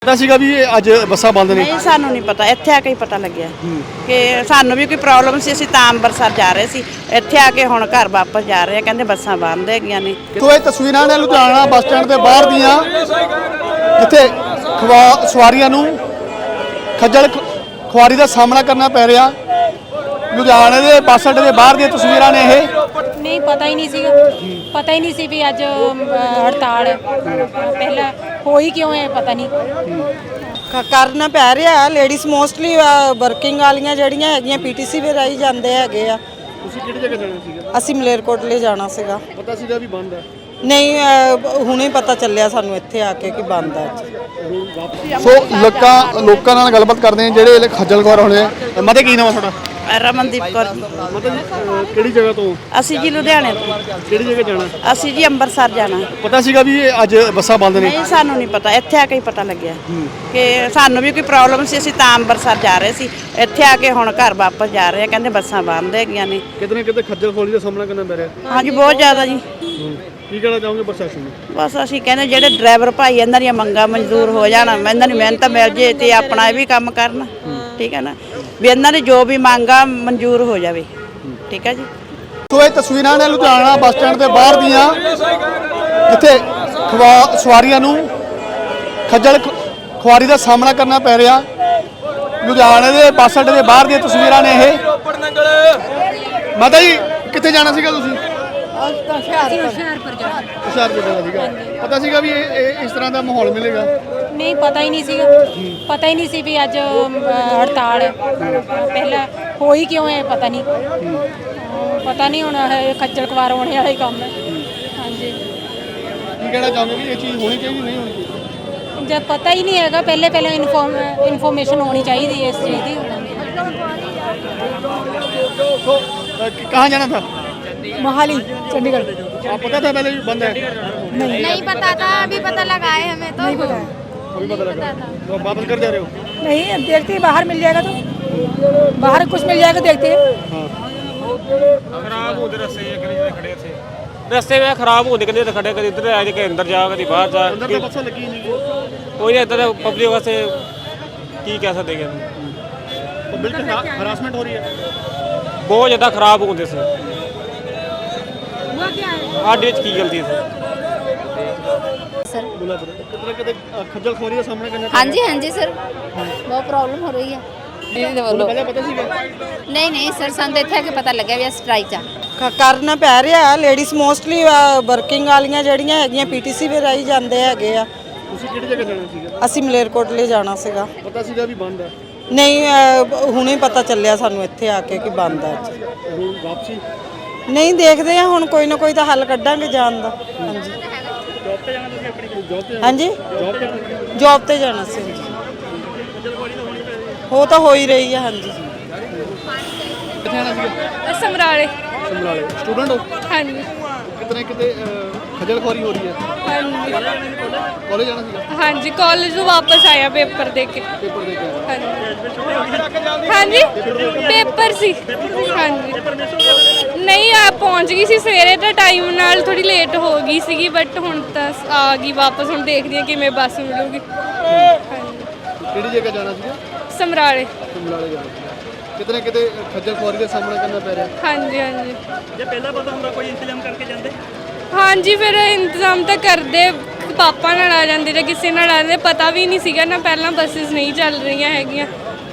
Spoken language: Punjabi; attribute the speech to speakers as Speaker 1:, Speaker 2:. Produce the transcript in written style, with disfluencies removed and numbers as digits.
Speaker 1: ਪਤਾ ਸੀਗਾ ਵੀ ਅੱਜ ਬੱਸਾਂ ਬੰਦ ਨੇ।
Speaker 2: ਨਹੀਂ ਸਾਨੂੰ ਨਹੀਂ ਪਤਾ, ਇੱਥੇ ਆ ਕੇ ਹੀ ਪਤਾ ਲੱਗਿਆ ਕਿ ਸਾਨੂੰ ਵੀ ਕੋਈ ਪ੍ਰੋਬਲਮ ਸੀ। ਅਸੀਂ ਤਾਂ ਅੰਮ੍ਰਿਤਸਰ ਜਾ ਰਹੇ ਸੀ, ਇੱਥੇ ਆ ਕੇ ਹੁਣ ਘਰ ਵਾਪਸ ਜਾ ਰਹੇ ਆ। ਕਹਿੰਦੇ ਬੱਸਾਂ ਬੰਦ ਹੈਗੀਆਂ ਨੇ।
Speaker 1: ਤੋ ਇਹ ਤਸਵੀਰਾਂ ਨੇ ਲੁਧਿਆਣਾ ਬੱਸ ਸਟੈਂਡ ਦੇ ਬਾਹਰ ਦੀਆਂ, ਜਿੱਥੇ ਸਵਾਰੀਆਂ ਨੂੰ ਖੱਜਲ ਖੁਆਰੀ ਦਾ ਸਾਹਮਣਾ ਕਰਨਾ ਪੈ ਰਿਹਾ। ਲੁਧਿਆਣੇ ਦੇ ਬੱਸ ਅੱਡੇ ਦੇ ਬਾਹਰ ਦੀਆਂ ਤਸਵੀਰਾਂ ਨੇ ਇਹ।
Speaker 3: नहीं पता ही नहीं सीगा, पता ही नहीं सी भी अज हड़ताल है। पहला हो ही क्यों है पता नहीं
Speaker 2: ਕਰਨਾ ਪੈ ਰਿਹਾ। ਲੇਡੀਜ਼ ਮੋਸਟਲੀ ਵਰਕਿੰਗ ਵਾਲੀਆਂ ਜਿਹੜੀਆਂ ਹੈਗੀਆਂ ਪੀਟੀਸੀ ਵੀ ਰਾਈ ਜਾਂਦੇ ਹੈਗੇ ਆ।
Speaker 1: ਤੁਸੀਂ ਕਿਹੜੀ ਜਗ੍ਹਾ ਜਾਣਾ ਸੀਗਾ?
Speaker 2: ਅਸੀਂ ਮਲੇਰਕੋਟਲੇ ਜਾਣਾ ਸੀਗਾ।
Speaker 1: ਪਤਾ ਸੀਗਾ ਵੀ ਬੰਦ ਹੈ?
Speaker 2: ਨਹੀਂ ਹੁਣੇ ਪਤਾ ਚੱਲਿਆ ਸਾਨੂੰ ਇੱਥੇ ਆ ਕੇ ਕਿ ਬੰਦ ਆ।
Speaker 1: ਸੋ ਲੋਕਾਂ ਨਾਲ ਗੱਲਬਾਤ ਕਰਦੇ ਆ ਜਿਹੜੇ ਖੱਜਲ ਖੁਆਰ ਹੋਣੇ। ਮਤੇ ਕੀ ਨਾਮ ਆ ਤੁਹਾਡਾ?
Speaker 2: ਰਮਨਦੀਪ ਕੌਰ।
Speaker 1: ਮਤਲਬ ਕਿਹੜੀ ਜਗ੍ਹਾ ਤੋਂ?
Speaker 2: ਅਸੀਂ ਜੀ ਲੁਧਿਆਣੇ ਤੋਂ।
Speaker 1: ਕਿਹੜੀ ਜਗ੍ਹਾ ਜਾਣਾ?
Speaker 2: ਅਸੀਂ ਜੀ ਅੰਮ੍ਰਿਤਸਰ ਜਾਣਾ।
Speaker 1: ਪਤਾ ਸੀਗਾ ਵੀ ਅੱਜ ਬੱਸਾਂ ਬੰਦ ਨੇ?
Speaker 2: ਨਹੀਂ ਸਾਨੂੰ ਨਹੀਂ ਪਤਾ, ਇੱਥੇ ਆ ਕੇ ਹੀ ਪਤਾ ਲੱਗਿਆ ਕਿ ਸਾਨੂੰ ਵੀ ਕੋਈ ਪ੍ਰੋਬਲਮ ਸੀ। ਅਸੀਂ ਤਾਂ ਅੰਮ੍ਰਿਤਸਰ ਜਾ ਰਹੇ ਸੀ, ਇੱਥੇ ਆ ਕੇ ਹੁਣ ਘਰ ਵਾਪਸ ਜਾ ਰਹੇ ਆ। ਕਹਿੰਦੇ ਬੱਸਾਂ ਬੰਦ ਹੈਗੀਆਂ ਨੇ।
Speaker 1: ਕਿਤੇ ਨਾ ਕਿਤੇ ਖੱਜਲ ਖੁਆਰੀ ਦਾ ਸਾਹਮਣਾ ਕਰਨਾ ਪੈ ਰਿਹਾ।
Speaker 2: ਹਾਂਜੀ ਬਹੁਤ ਜ਼ਿਆਦਾ ਜੀ।
Speaker 1: ਕੀ ਕਹਿਣਾ ਚਾਹੋਗੇ ਪ੍ਰਸ਼ਾਸਨ ਨੂੰ?
Speaker 2: ਬਸ ਅਸੀਂ ਕਹਿੰਦੇ ਜਿਹੜੇ ਡਰਾਈਵਰ ਭਾਈ ਇਹਨਾਂ ਦੀਆਂ ਮੰਗਾਂ ਮਨਜ਼ੂਰ ਹੋ ਜਾਣ, ਇਹਨਾਂ ਦੀ ਮਿਹਨਤ ਮਿਲ ਜੇ ਤੇ ਆਪਣਾ ਇਹ ਵੀ ਕੰਮ ਕਰਨ। ਠੀਕ ਹੈ ਨਾ, ਵੀ ਇਹਨਾਂ ਦੀ ਜੋ ਵੀ ਮੰਗਾਂ ਮਨਜ਼ੂਰ ਹੋ ਜਾਵੇ। ਠੀਕ ਹੈ ਜੀ।
Speaker 1: ਸੋ ਇਹ ਤਸਵੀਰਾਂ ਨੇ ਲੁਧਿਆਣਾ ਬੱਸ ਸਟੈਂਡ ਦੇ ਬਾਹਰ ਦੀਆਂ, ਜਿੱਥੇ ਸਵਾਰੀਆਂ ਨੂੰ ਖੱਜਲ ਖੁਆਰੀ ਦਾ ਸਾਹਮਣਾ ਕਰਨਾ ਪੈ ਰਿਹਾ। ਲੁਧਿਆਣੇ ਦੇ ਬੱਸ ਅੱਡੇ ਦੇ ਬਾਹਰ ਦੀਆਂ ਤਸਵੀਰਾਂ ਨੇ ਇਹ। ਮਾਤਾ ਜੀ ਕਿੱਥੇ ਜਾਣਾ ਸੀਗਾ ਤੁਸੀਂ?
Speaker 3: ਹੁਸ਼ਿਆਰਪੁਰ ਜਾਣਾ।
Speaker 1: ਹੁਸ਼ਿਆਰਪੁਰ ਜਾਣਾ ਸੀਗਾ। ਪਤਾ ਸੀਗਾ ਵੀ ਇਹ ਇਸ ਤਰ੍ਹਾਂ ਦਾ ਮਾਹੌਲ ਮਿਲੇਗਾ?
Speaker 3: नहीं पता ही नहीं सीगा, पता ही नहीं सी भी अज हड़ताल है। पहला हो ही क्यों है पता नहीं होना है। खज्जल खुआर होने वाला ही काम है। हाँ जी।
Speaker 1: ਕੀ ਕਹਿਣਾ ਚਾਹੋਗੇ ਵੀ ਇਹ ਚੀਜ਼ ਹੋਣੀ ਚਾਹੀਦੀ ਨਹੀਂ ਹੋਣੀ ਚਾਹੀਦੀ?
Speaker 3: जब पता ही नहीं है पहले इन्फॉर्मेशन होनी चाहिए इस चीज़ की।
Speaker 1: तो कहाँ जाना था?
Speaker 3: मोहाली चंडीगढ़।
Speaker 1: आप पता था पहले भी बंद है?
Speaker 4: नहीं पता था, अभी पता लगा है हमें तो।
Speaker 3: नहीं पता है।
Speaker 1: अभी पता लगा तो आप वापस कर जा रहे हो?
Speaker 3: नहीं देखते हैं, बाहर मिल जाएगा तो बाहर कुछ मिल जाएगा देखते हैं।
Speaker 5: खराब होते रस्ते खड़े थे, रस्ते में खराब होते कभी खड़े कभी इधर आ के अंदर जा कभी बाहर जा।
Speaker 1: अंदर तो बसें लगी नहीं,
Speaker 5: कोई इधर पब्लिक वास्ते की कह सकते हैं।
Speaker 1: तो बिल्कुल हरासमेंट हो रही है।
Speaker 5: बहुत ज़्यादा खराब होते से साढ़े की गलती है
Speaker 4: सर।
Speaker 1: बोला कितना कितने खज्जल खुआरी का सामना करना?
Speaker 4: हाँ जी हाँ जी सर, बहुत प्रॉब्लम हो रही है।
Speaker 1: पहले पता सीगा?
Speaker 4: नहीं सर, ਸਾਨੂੰ ਇੱਥੇ ਆ ਕੇ ਪਤਾ ਲੱਗਿਆ ਵੀ ਸਟ੍ਰਾਈਕ ਜਾ
Speaker 2: ਕਰਨਾ ਪੈ ਰਿਹਾ। ਲੇਡੀਜ਼ ਮੋਸਟਲੀ ਵਰਕਿੰਗ ਵਾਲੀਆਂ ਜਿਹੜੀਆਂ ਹੈਗੀਆਂ ਪੀਟੀਸੀ ਵੀ ਰਾਈ ਜਾਂਦੇ ਹੈਗੇ ਆ।
Speaker 1: ਤੁਸੀਂ ਕਿਹੜੀ ਜਗ੍ਹਾ ਜਾਣਾ ਸੀਗਾ?
Speaker 2: ਅਸੀਂ ਮਲੇਰਕੋਟਲੇ ਜਾਣਾ ਸੀਗਾ।
Speaker 1: ਪਤਾ ਸੀਗਾ ਵੀ ਬੰਦ ਹੈ?
Speaker 2: ਨਹੀਂ ਹੁਣੇ ਪਤਾ ਚੱਲਿਆ ਸਾਨੂੰ ਇੱਥੇ ਆ ਕੇ ਕਿ ਬੰਦ ਆ।
Speaker 1: ਹੁਣ ਵਾਪਸੀ?
Speaker 2: ਨਹੀਂ ਦੇਖਦੇ ਆ ਹੁਣ, ਕੋਈ ਨਾ ਕੋਈ ਤਾਂ ਹੱਲ ਕੱਢਾਂਗੇ ਜਾਣ ਦਾ। ਹਾਂਜੀ
Speaker 1: ਜੌਬ ਤੇ ਜਾਣਾ ਤੁਸੀਂ ਆਪਣੀ? ਜੌਬ ਤੇ?
Speaker 2: ਹਾਂਜੀ
Speaker 1: ਜੌਬ ਤੇ?
Speaker 2: ਜੌਬ ਤੇ ਜਾਣਾ ਸੀ। ਹੋ ਤਾਂ ਹੋ ਹੀ ਰਹੀ ਹੈ। ਹਾਂਜੀ
Speaker 1: ਕਿੱਥੇ ਜਾਣਾ ਸੀਗਾ?
Speaker 3: समराले।
Speaker 1: ਸਮਰਾਲੇ। ਸਟੂਡੈਂਟ ਹੋ?
Speaker 3: हाँ जी
Speaker 1: ਕਿਤਨੇ ਕਿਤੇ ਖੱਜਲ ਖੁਆਰੀ ਹੋ ਰਹੀ ਹੈ?
Speaker 3: हाँ जी
Speaker 1: ਕਾਲਜ ਜਾਣਾ ਸੀਗਾ?
Speaker 3: हाँ जी कॉलेज तो वापस आया पेपर दे के।
Speaker 1: ਪੇਪਰ ਦੇ ਕੇ ਆਇਆ?
Speaker 3: हाँ जी पेपर सी। हाँ जी नहीं आप पहुंच गई सी सवेरे तो टाइम नाल थोड़ी लेट हो गई सी, बट हुण तां आ गई वापस। हुण देखदी हां किवें बस मिलूगी। हाँ जी
Speaker 1: ਕਿਹੜੀ ਜਗ੍ਹਾ ਜਾਣਾ ਸੀਗਾ?
Speaker 3: समराले।
Speaker 1: ਸਮਰਾਲੇ ਜਾਣਾ ਸੀਗਾ। ਕਿਤਨੇ ਕਿਤੇ ਖੱਜਲ ਖੁਆਰੀ ਦਾ ਸਾਹਮਣਾ ਕਰਨਾ ਪੈ ਰਿਹਾ।
Speaker 3: हाँ जी हाँ जी
Speaker 5: ਜੇ ਪਹਿਲਾਂ ਪਤਾ ਹੁੰਦਾ ਕੋਈ ਇੰਤਜ਼ਾਮ ਕਰਕੇ ਜਾਂਦੇ।
Speaker 3: हाँ जी फिर इंतजाम तो करते, पापा नाल आ जाते ਜਾਂ ਕਿਸੇ ਨਾਲ ਆ ਜਾਂਦੇ। ਪਤਾ ਵੀ ਨਹੀਂ ਸੀਗਾ ਨਾ ਪਹਿਲਾਂ ਬੱਸਿਸ ਨਹੀਂ ਚੱਲ ਰਹੀਆਂ ਹੈਗੀਆਂ।